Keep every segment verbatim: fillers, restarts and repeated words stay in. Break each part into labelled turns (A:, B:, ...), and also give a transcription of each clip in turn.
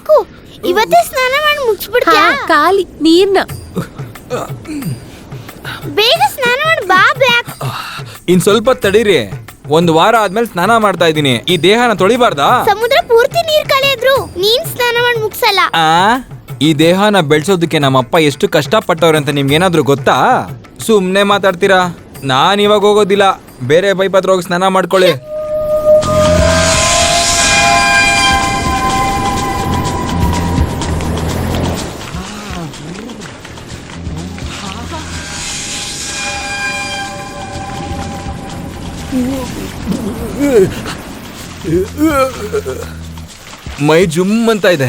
A: ಸಾಕು, ಇವತ್ತೇ ಸ್ನಾನ ಮಾಡಿ ಮುಗಿಸ್ಬಿಡ್ತೀಯಾ?
B: ಖಾಲಿ ನೀರ್ನ
A: ಬೇಗ ಸ್ನಾನ ಮಾಡಿ ಬಾ. ಬ್ಯಾಕ್
C: ಇನ್ ಸ್ವಲ್ಪ ತಡೀರಿ, ಒಂದ್ ವಾರ ಆದ್ಮೇಲೆ ಸ್ನಾನ ಮಾಡ್ತಾ ಇದೀನಿ. ಈ ದೇಹನ ತೊಳಿಬಾರ್ದಾ?
A: ಸಮುದ್ರ ಪೂರ್ತಿ ನೀರ್ ಕಳೆದ್ರು ನೀನ್ ಸ್ನಾನ ಮಾಡಿ ಮುಗಿಸಲ್ಲ.
C: ಆ ಈ ದೇಹನ ಬೆಳ್ಸೋದಕ್ಕೆ ನಮ್ಮಪ್ಪ ಎಷ್ಟು ಕಷ್ಟಪಟ್ಟವ್ರೆ ಅಂತ ನಿಮ್ಗೇನಾದ್ರೂ ಗೊತ್ತಾ? ಸುಮ್ನೆ ಮಾತಾಡ್ತೀರಾ? ನಾನ್ ಇವಾಗ ಹೋಗೋದಿಲ್ಲ, ಬೇರೆ ಪೈಪ್ ಹತ್ರ ಹೋಗಿ ಸ್ನಾನ ಮಾಡ್ಕೊಳ್ಳಿ. ಮೈ ಜುಮ್ ಅಂತ ಇದೆ.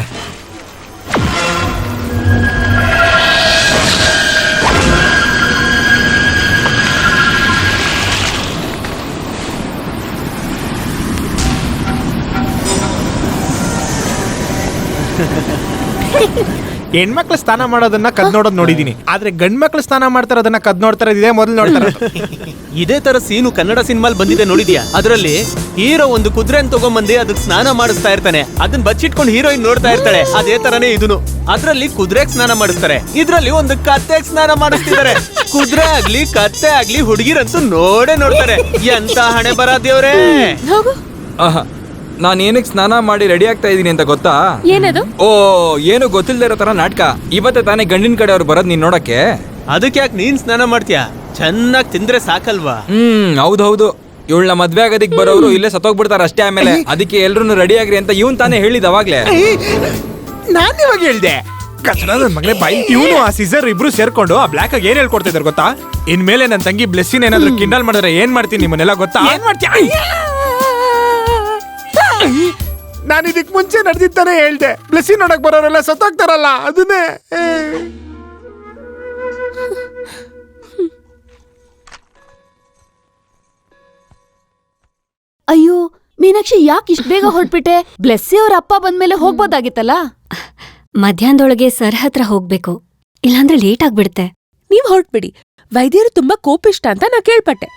D: ಹೆಣ್ಮಕ್ಳು ಸ್ನಾನ ಮಾಡೋದನ್ನ ಕದ್ ನೋಡೋದ್ ನೋಡಿದೀನಿ, ಆದ್ರೆ ಗಂಡ್ ಮಕ್ಳು ಸ್ನಾನ ಮಾಡ್ತಾರದನ್ನ ಕದ್ ನೋಡ್ತಾರ ಇದೇ ಮೊದಲು ನೋಡ್ತಾರ.
E: ಇದೇ ತರ ಸೀನು ಕನ್ನಡ ಸಿನಿಮಾಲ್ ಬಂದಿದೆ ನೋಡಿದ್ಯಾ? ಅದ್ರಲ್ಲಿ ಹೀರೋ ಒಂದು ಕುದುರೆನ್ ತಗೊಂಬಂದಿ ಅದಕ್ಕೆ ಸ್ನಾನ ಮಾಡಿಸ್ತಾ ಇರ್ತಾನೆ, ಅದನ್ನ ಬಚ್ಚಿಟ್ಕೊಂಡು ಹೀರೋಯಿನ್ ನೋಡ್ತಾ ಇರ್ತಾಳೆ. ಅದೇ ತರನೇ ಇದನ್ನು, ಅದ್ರಲ್ಲಿ ಕುದುರೆಗ್ ಸ್ನಾನ ಮಾಡಿಸ್ತಾರೆ, ಇದ್ರಲ್ಲಿ ಒಂದು ಕತ್ತೆಗ್ ಸ್ನಾನ ಮಾಡಿಸ್ತಿದ್ದಾರೆ. ಕುದುರೆ ಆಗ್ಲಿ ಕತ್ತೆ ಆಗ್ಲಿ ಹುಡುಗಿರಂತೂ ನೋಡೇ ನೋಡ್ತಾರೆ. ಎಂತ ಹಣೆ ಬರ ದೇವ್ರೇ.
C: ಆಹಾ, ನಾನ್ ಏನಕ್ಕೆ ಸ್ನಾನ ಮಾಡಿ ರೆಡಿ ಆಗ್ತಾ ಇದೀನಿ ಅಂತ ಗೊತ್ತಾ?
B: ಏನದು?
C: ಓ, ಏನು ಗೊತ್ತಿಲ್ದೇ ಇರೋ ತರ ನಾಟಕ. ಇವತ್ತೇ ತಾನೇ ಗಂಡಿನ ಕಡೆ ಅವ್ರು ಬರೋದ್ ನೀನ್ ನೋಡಕ್ಕೆ.
E: ಅದಕ್ಕೆ ಯಾಕೆ ನೀನ್ ಸ್ನಾನ ಮಾಡ್ತೀಯಾ? ಚೆನ್ನಾಗಿ ತಿಂದ್ರೆ ಸಾಕಲ್ವಾ?
C: ಹ್ಮ್, ಹೌದೌದು. ಇವಳನ್ನ ಮದ್ವೆ ಆಗೋದಿಕ್ ಬರೋರು ಇಲ್ಲೇ ಸತ್ತೋಗ್ಬಿಡ್ತಾರ ಅಷ್ಟೇ. ಆಮೇಲೆ ಅದಕ್ಕೆ ಎಲ್ರು ರೆಡಿ ಆಗ್ರಿ ಅಂತ ಇವನ್ ತಾನೇ ಹೇಳಿದ ಅವಾಗ್ಲೇ.
D: ನಾನ್ ಇವಾಗ ಹೇಳ್ದೆ ಕಚಡ ನನ್ ಮಗಳೇ ಬಾಯಿ. ಇವನು ಆ ಸೀಸರ್ ಇಬ್ರು ಸೇರ್ಕೊಂಡು ಆ ಬ್ಲಾಕ್ ಆಗಿ ಏನ್ ಹೇಳ್ಕೊಡ್ತಿದಾರೆ ಗೊತ್ತಾ? ಇನ್ಮೇಲೆ ನನ್ ತಂಗಿ ಬ್ಲೆಸ್ಸಿನ ಏನಾದ್ರು ಕಿಂಡಲ್ ಮಾಡಿದ್ರೆ ಏನ್ ಮಾಡ್ತೀನಿ ನಿಮ್ಮನ್ನೆಲ್ಲ ಗೊತ್ತಾ? ಏನ್ ಮಾಡ್ತೀಯ? ನಾನು ಇದಕ್ ಮುಂಚೆ ನಡೆದಿದ್ದಾನೆ ಹೇಳ್ದೆ, ಬ್ಲೆಸ್ಸಿ ನೋಡಕ್ ಬರೋರೆಲ್ಲ ಸತ್ತೋಗ್ತಾರಲ್ಲ ಅದನ್ನೇ.
B: ಅಯ್ಯೋ ಮೀನಾಕ್ಷಿ, ಯಾಕೆ ಇಷ್ಟ ಬೇಗ ಹೊರಟ್ಬಿಟ್ಟೆ? ಬ್ಲೆಸ್ಸಿ ಅವ್ರ ಅಪ್ಪ ಬಂದ್ಮೇಲೆ ಹೋಗ್ಬೋದಾಗಿತ್ತಲ್ಲ.
F: ಮಧ್ಯಾಹ್ನದೊಳಗೆ ಸರ್ ಹತ್ರ ಹೋಗ್ಬೇಕು, ಇಲ್ಲಾಂದ್ರೆ ಲೇಟ್ ಆಗ್ಬಿಡುತ್ತೆ.
B: ನೀವ್ ಹೊರಟ್ಬಿಡಿ, ವೈದ್ಯರು ತುಂಬಾ ಕೋಪಿಷ್ಟ ಅಂತ ನಾ ಕೇಳ್ಪಟ್ಟೆ.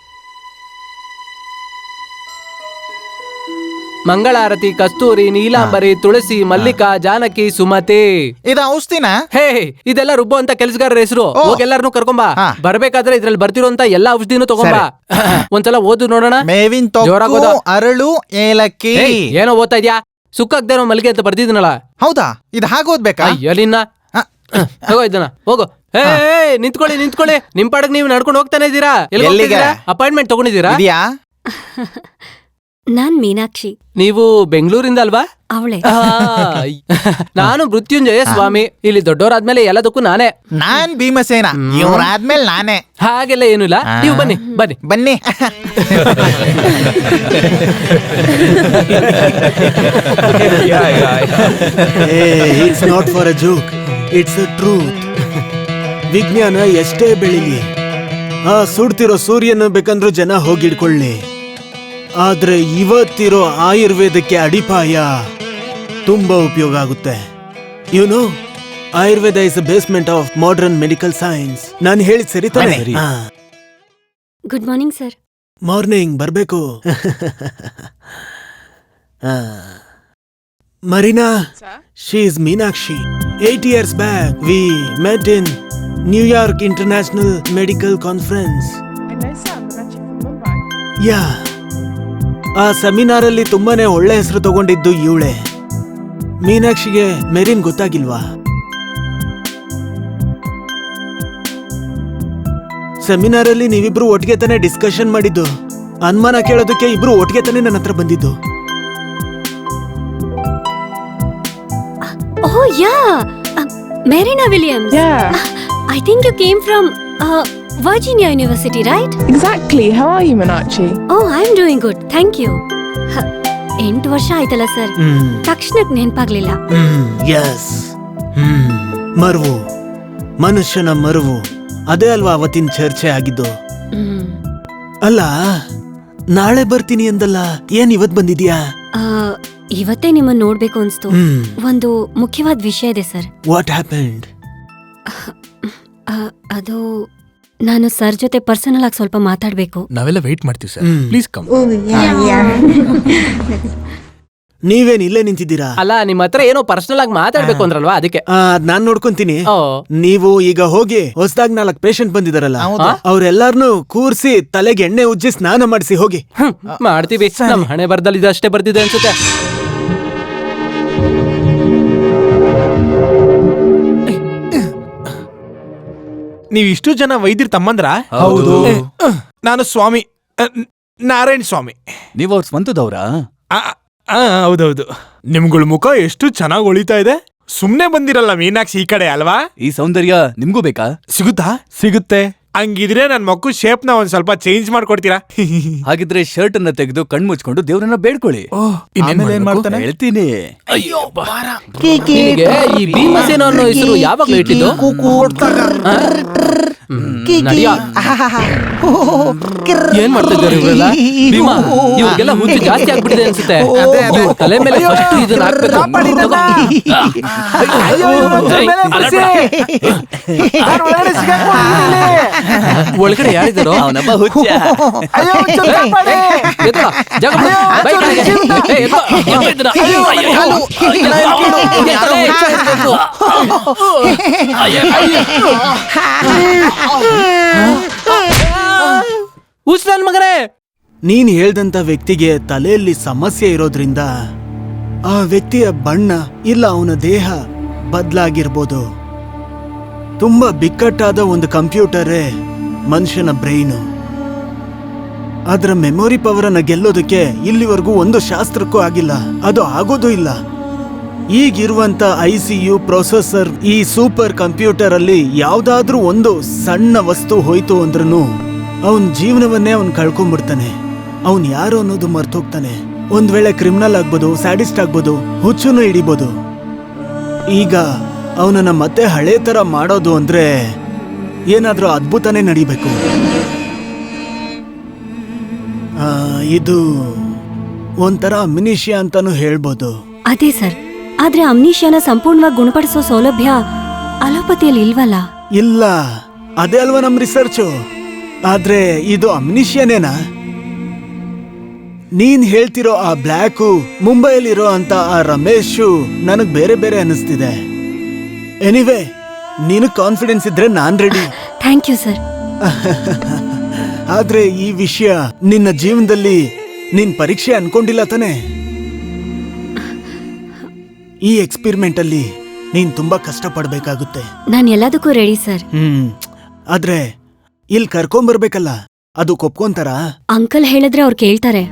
G: ಮಂಗಳಾರತಿ, ಕಸ್ತೂರಿ, ನೀಲಾಂಬರಿ, ತುಳಸಿ, ಮಲ್ಲಿಕಾ, ಜಾನಕಿ, ಸುಮತಿ.
H: ಇದ ಔಷಧಿನ?
G: ಹೇ, ಇದೆಲ್ಲ ರುಬ್ಬೋ ಅಂತ ಕೆಲಸಗಾರರ ಹೆಸರು. ಹೋಗಿ ಎಲ್ಲಾರನು ಕರ್ಕೊಂಬಾ. ಬರ್ಬೇಕಾದ್ರೆ ಇದ್ರಲ್ಲಿ ಬರ್ತಿರೋಂತ ಎಲ್ಲಾ ಔಷಧಿನೂ ತಗೊಂಬಾ. ಒಂದ್ಸಲ ಓದು ನೋಡೋಣ.
H: ಮೇವಿನ ತೊಗಟು, ಅರಳು, ಏಲಕ್ಕಿ.
G: ಏನೋ ಓದ್ತಾ ಇದ್ಯಾ? ಸುಕ್ಕಾಗ್ದೇ ಇರೋ ಮಲ್ಲಿಗೆ ಅಂತ ಬರ್ದಿದ್ನಲ್ಲ.
H: ಹೌದಾ? ಇದು ಹಾಗೆ ಓದ್ಬೇಕಾ?
G: ಎಲ್ಲಿನ್ನ ತಗೋ ಇದನ್ನ, ಹೋಗು. ಹೇ, ನಿಂತ್ಕೊಳ್ಳಿ ನಿಂತ್ಕೊಳ್ಳಿ, ನಿಮ್ ಪಾಡಕ್ ನೀವು ನಡ್ಕೊಂಡು ಹೋಗ್ತಾನೆ ಇದ್ದೀರಾ? ಎಲ್ಲಿಗೆ? ಅಪಾಯಿಂಟ್ಮೆಂಟ್ ತಗೊಂಡಿದ್ದೀರಾ?
F: ನಾನ್ ಮೀನಾಕ್ಷಿ.
G: ನೀವು ಬೆಂಗಳೂರಿಂದ ಅಲ್ವಾ?
F: ಅವಳೆ.
G: ನಾನು ಮೃತ್ಯುಂಜಯ ಸ್ವಾಮಿ. ಇಲ್ಲಿ ದೊಡ್ಡವರಾದ್ಮೇಲೆ ಎಲ್ಲದಕ್ಕೂ ನಾನೇ.
H: ನಾನ್ ಭೀಮಸೇನ, ಇವ್ರಾದ್ಮೇಲೆ ನಾನೇ.
G: ಹಾಗೆಲ್ಲ ಏನು ಇಲ್ಲ, ನೀವು ಬನ್ನಿ ಬನ್ನಿ
H: ಬನ್ನಿ.
I: It's not for a joke, it's a truth. ವಿಜ್ಞಾನ ಎಷ್ಟೇ ಬೆಳಿಲಿ, ಆ ಸುಡ್ತಿರೋ ಸೂರ್ಯನ ಬೇಕಂದ್ರೂ ಜನ ಹೋಗಿಡ್ಕೊಳ್ಳಿ, ಆದ್ರೆ ಇವತ್ತಿರೋ ಆಯುರ್ವೇದಕ್ಕೆ ಅಡಿಪಾಯ ತುಂಬಾ ಉಪಯೋಗ ಆಗುತ್ತೆ. You know, Ayurveda is the basement of modern medical science. ನಾನು ಹೇಳಿದ್ ಸರಿ ತಾನೆ?
F: Good morning sir.
I: ಮಾರ್ನಿಂಗ್ ಬರ್ಬೇಕು. Marina, she is Meenakshi. Eight years back we met in New York international medical conference. Yeah, ಆ ಸೆಮಿನಾರ್ ಅಲ್ಲಿ ತುಂಬಾನೇ ಒಳ್ಳೆ ಹೆಸರು ತಗೊಂಡಿದ್ದು ಇವಳೆ. ಮೀನಾಕ್ಷಿಗೆ ಮೆರಿನ್ ಗೊತ್ತಾಗಿಲ್ವಾ? ಸೆಮಿನಾರ್ ಅಲ್ಲಿ ನೀವಿಬ್ರು ಒಟ್ಟಿಗೆ ತಾನೇ ಡಿಸ್ಕಷನ್ ಮಾಡಿದ್ದು. ಅನುಮಾನ ಕೇಳೋದಕ್ಕೆ ಇಬ್ರು ಒಟ್ಟಿಗೆ ತಾನೇ ನನ್ನ ಹತ್ರ ಬಂದಿದ್ದು.
F: Oh yeah, Marina Williams. I think you came from Virginia University, right?
J: Exactly. How are you, Meenakshi?
F: Oh, I'm doing good. Thank you. ಎಂಟು ವರ್ಷ ಆಯ್ತಲ್ಲ ಸರ್, ತಕ್ಷಣಕ್ಕೆ ನೆನಪಾಗ್ಲಿಲ್ಲ.
I: ಯಸ್, ಮರುವು, ಮನುಷ್ಯನ ಮರುವು, ಅದೇ ಅಲ್ವಾ ಅವತ್ತಿನ ಚರ್ಚೆ ಆಗಿದ್ದು. ಅಲ್ಲ, ನಾಳೆ ಬರ್ತೀನಿ ಅಂದಲ್ಲ, ಏನ್ ಇವತ್ ಬಂದಿದ್ಯಾ?
F: ಇವತ್ತೇ ನಿಮ್ಮನ್ನ ನೋಡ್ಬೇಕು ಅನ್ಸ್ತು. ಒಂದು ಮುಖ್ಯವಾದ ವಿಷಯ ಇದೆ ಸರ್.
I: What happened?
F: ಅದು ನಾನು ಸರ್ ಜೊತೆ ಪರ್ಸನಲ್ ಆಗಿ ಸ್ವಲ್ಪ ಮಾತಾಡ್ಬೇಕು.
D: ನಾವೆಲ್ಲ ವೇಟ್ ಮಾಡ್ತೀವಿ ಸರ್, ಪ್ಲೀಸ್ ಕಮ್.
I: ನೀವೇನ್ ಇಲ್ಲೇ ನಿಂತಿದ್ದೀರಾ?
G: ಅಲ್ಲ ನಿಮ್ ಹತ್ರ ಏನೋ ಪರ್ಸನಲ್ ಆಗಿ ಮಾತಾಡ್ಬೇಕು ಅಂದ್ರಲ್ವಾ ಅದಕ್ಕೆ.
I: ಆ, ಅದ್ ನಾನ್ ನೋಡ್ಕೊಂತೀನಿ.
G: ಓ
I: ನೀವು ಈಗ ಹೋಗಿ ಹೊಸದಾಗ್ ನಾಲ್ಕ್ ಪೇಷಂಟ್ ಬಂದಿದಾರಲ್ಲ, ಅವ್ರೆಲ್ಲಾರ್ನು ಕೂರ್ಸಿ ತಲೆಗೆ ಎಣ್ಣೆ ಉಜ್ಜಿ ಸ್ನಾನ ಮಾಡಿಸಿ ಹೋಗಿ.
G: ಹ್ಮ್, ಮಾಡ್ತೀವಿ. ನಮ್ ಹಣೆ ಬರ್ದಲ್ಲಿ ಇದಷ್ಟೇ ಬರ್ದಿದೆ ಅನ್ಸುತ್ತೆ.
D: ನೀವ್ ಇಷ್ಟು ಜನ ವೈದ್ಯರ್ ತಮ್ಮಂದ್ರ?
C: ಹೌದು.
D: ನಾನು ಸ್ವಾಮಿ ಅ, ನಾರಾಯಣ್ ಸ್ವಾಮಿ.
K: ನೀವ್ ಅವ್ರ ಸ್ವಂತದವ್ರಾ?
D: ಆ, ಆ, ಹೌದೌದು. ನಿಮ್ಗಳ ಮುಖ ಎಷ್ಟು ಚೆನ್ನಾಗಿ ಹೊಳಿತಾ ಇದೆ. ಸುಮ್ನೆ ಬಂದಿರಲ್ಲ ಮೀನಾಕ್ಷಿ ಈ ಕಡೆ ಅಲ್ವಾ?
K: ಈ ಸೌಂದರ್ಯ ನಿಮ್ಗೂ ಬೇಕಾ?
D: ಸಿಗುತ್ತಾ?
K: ಸಿಗುತ್ತೆ.
D: ಹಂಗಿದ್ರೆ ನನ್ ಮಕ್ಕು ಶೇಪ್ ನ ಒಂದ್ ಸ್ವಲ್ಪ ಚೇಂಜ್ ಮಾಡ್ಕೊಡ್ತೀರಾ?
K: ಹಾಗಿದ್ರೆ ಶರ್ಟ್ ಅನ್ನ ತೆಗೆದು ಕಣ್ ಮುಚ್ಕೊಂಡು ದೇವ್ರನ್ನ ಬೇಡ್ಕೊಳ್ಳಿ.
H: ಆಮೇಲೆ ಏನ್ ಮಾಡ್ತಾನೆ?
K: ಹೇಳ್ತೀನಿ.
G: ನಿನಗೆ ಈ ಭೀಮಸೇನ ಅನ್ನೋ ಹೆಸರು ಯಾವಾಗ್ಲೂ ಇಟ್ಟಿದ್ದು? ಆ? ಹ್ಮ್, ನಡಿಯಾ. ಏನ್ ಮಾಡ್ತಾ ಇದ್ದಾರೆ ಇವರೆಲ್ಲ? ಭೀಮಾ, ಇವ್ರಿಗೆಲ್ಲ ಹುಚ್ಚು ಜಾಸ್ತಿ ಆಗ್ಬಿಟ್ಟಿದೆ ಅನ್ಸುತ್ತೆ. ಇವ್ರ ತಲೆ ಮೇಲೆ ಫಸ್ಟ್ ಇದನ್ನ ಹಾಕ್ಬೇಕು. ಒಳಗಡೆ ಯಾರಿದ್ದಾರೋ
K: ಅವನಪ್ಪ ಹುಚ್ಚ.
G: ಎತ್ಕೊ, ಜಾಗ ಬಿಡು. ಬೈ ಕಡೆಗೆ. ಏ, ಎತ್ಕೊ, ಎತ್ಕೊ ಇದನ್ನ. ಅಯ್ಯೋ, ಎತ್ತಲೇ. ಹುಚ್ಚ ನನ್ ಮಗನೇ.
I: ನೀನ್ ಹೇಳ್ದಂತ ವ್ಯಕ್ತಿಗೆ ತಲೆಯಲ್ಲಿ ಸಮಸ್ಯೆ ಇರೋದ್ರಿಂದ ಆ ವ್ಯಕ್ತಿಯ ಬಣ್ಣ ಇಲ್ಲ ಅವನ ದೇಹ ಬದ್ಲಾಗಿರ್ಬೋದು. ತುಂಬಾ ಬಿಕ್ಕಟ್ಟಾದ ಒಂದು ಕಂಪ್ಯೂಟರೇ ಮನುಷ್ಯನ ಬ್ರೈನು. ಅದರ ಮೆಮೊರಿ ಪವರ್ ಅನ್ನ ಗೆಲ್ಲೋದಕ್ಕೆ ಇಲ್ಲಿವರೆಗೂ ಒಂದು ಶಾಸ್ತ್ರಕ್ಕೂ ಆಗಿಲ್ಲ, ಅದು ಆಗೋದೂ ಇಲ್ಲ. ಈಗಿರುವಂತ ಐ ಸಿ ಯು ಪ್ರೊಸೆಸರ್ ಈ ಸೂಪರ್ ಕಂಪ್ಯೂಟರ್ ಅಲ್ಲಿ ಯಾವ್ದಾದ್ರೂ ಒಂದು ಸಣ್ಣ ವಸ್ತು ಹೋಯ್ತು ಅಂದ್ರೂ ಅವನ್ ಜೀವನವನ್ನೇ ಅವನ್ ಕಳ್ಕೊಂಡ್ಬಿಡ್ತಾನೆ. ಅವನ್ ಯಾರು ಅನ್ನೋದು ಮರ್ತೋಗ್ತಾನೆ. ಒಂದ್ ವೇಳೆ ಕ್ರಿಮಿನಲ್ ಆಗ್ಬೋದು, ಸ್ಯಾಡಿಸ್ಟ್ ಆಗ್ಬೋದು, ಹುಚ್ಚುನು ಹಿಡಿಬೋದು. ಈಗ ಅವನನ್ನ ಮತ್ತೆ ಹಳೆ ತರ ಮಾಡೋದು ಅಂದ್ರೆ ಏನಾದ್ರೂ ಅದ್ಭುತನೇ ನಡಿಬೇಕು. ಆ, ಇದು ಒಂಥರ ಅಮ್ನಿಷಿಯಾ ಅಂತಾನು ಹೇಳ್ಬೋದು.
F: ಅದೇ ಸರ್, ಆದ್ರೆ ಅಮ್ನೀಶಿಯಾನ ಸಂಪೂರ್ಣವಾಗಿ ಗುಣಪಡಿಸೋ ಸೌಲಭ್ಯ ಅಲೋಪತಿಯಲ್ಲಿ ಇಲ್ವಲ್ಲ?
I: ಇಲ್ಲ, ಅದೇ ಅಲ್ವಾ ನಮ್ ರಿಸರ್ಚು. ಆದ್ರೆ ಇದು ಅಮ್ನಿಷಿಯಾನೇನಾ? ನೀನ್ ಹೇಳ್ತಿರೋ ಆ ಬ್ಲ್ಯಾಕು, ಮುಂಬೈಲಿರೋ ಅಂತ ಆ ರಮೇಶು ನನಗ್ ಬೇರೆ ಬೇರೆ ಅನಿಸ್ತಿದೆ. ಎನಿವೆ, ನೀನು ಕಾನ್ಫಿಡೆನ್ಸ್ ಇದ್ರೆ ನಾನ್ ರೆಡಿ.
F: Thank you sir.
I: ಆದ್ರೆ ಈ ವಿಷಯ ನಿನ್ನ ಜೀವನದಲ್ಲಿ ನೀನ್ ಪರೀಕ್ಷೆ ಅನ್ಕೊಂಡಿಲ್ಲ ತಾನೆ? ಈ ಎಕ್ಸ್ಪೆರಿಮೆಂಟ್ ಅಲ್ಲಿ ನೀನ್ ತುಂಬಾ ಕಷ್ಟ ಪಡ್ಬೇಕಾಗುತ್ತೆ.
F: ನಾನು ಎಲ್ಲದಕ್ಕೂ ರೆಡಿ ಸರ್.
I: ಹ್ಮ್ ಆದ್ರೆ ಇಲ್ಲಿ ಕರ್ಕೊಂಬರ್ಬೇಕಲ್ಲ, ಅದು ಕೊಪ್ಕೊಂತಾರ?
F: ಅಂಕಲ್ ಹೇಳಿದ್ರೆ ಅವ್ರು ಕೇಳ್ತಾರೆ.